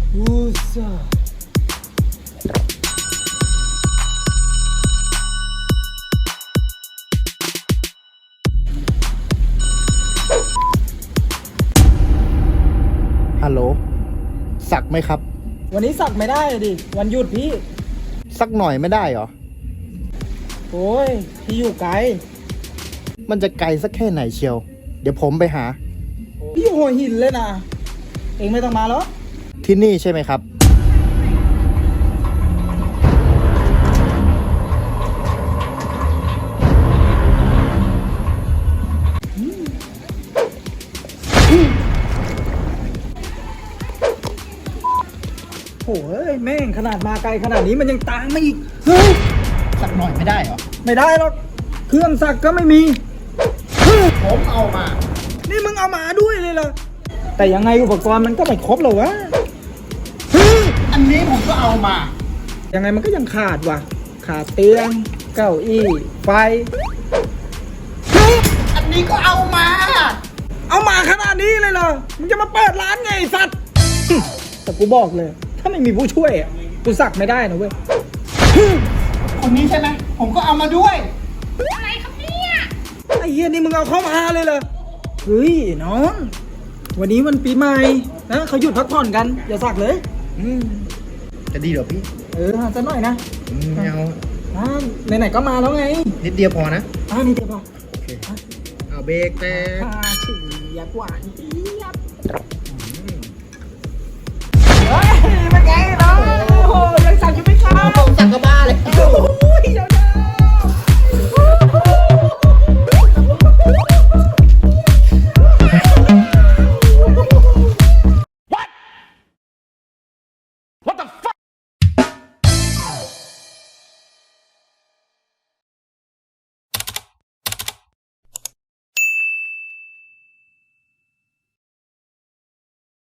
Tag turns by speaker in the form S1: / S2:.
S1: อู้ซ่า
S2: ฮัลโหลสักไหมครับ
S1: วันนี้สักไม่ได้ดิ วันหยุดพี่
S2: สักหน่อยไม่ได้เหรอ
S1: โอ้ย พี่อยู่ไกล
S2: มันจะไกลสักแค่ไหนเชียว เดี๋ยวผมไปหา
S1: พี่อยู่หัวหินเลยนะ เองไม่ต้องมาหรอก
S2: ที่นี่ใช่ไหมครับ
S1: โอ้ยแม่งขนาดมาไกลขนาดนี้มันยังตามมาอีก เฮ้ย
S2: สักหน่อยไม่ได้เหรอ
S1: ไม่ได้หรอก เครื่องสักก็ไม่มี
S2: ผมเอามา
S1: นี่มึงเอามาด้วยเลยเหรอ แต่ยังไงอุปกรณ์มันก็ไม่ครบหรอวะ
S2: อันนี้ผมก็เอามา
S1: ยังไงมันก็ยังขาดว่ะ ขาดเตียง เก้าอี้ ไฟ
S2: อันนี้ก็เอามา
S1: เอามาขนาดนี้เลยเหรอ มึงจะมาเปิดร้านไงไอ้สัตว์ แต่กูบอกเลย ถ้าไม่มีผู้ช่วยอะกูสักไม่ได้นะเว้ย
S2: คนนี้ใช่ไหม ผมก็เอามาด้วย
S1: ไอ้เฮียนี่มึงเอาเข้ามาเลยเหรอ เฮ้ยน้อง วันนี้มันปีใหม่นะเขาหยุดพักผ่อนกัน อย่าสักเลย
S2: จะดีเหรอพี่
S1: หาสักหน่อยนะ
S2: ไม่เอา
S1: ไหนๆก็มาแล้วไง
S2: นิดเดียวพอนะ
S1: นี่เดี๋ยวพอ
S2: โอเค เอาเบรกแต่
S1: ฉีดหวานเจี๊ยบ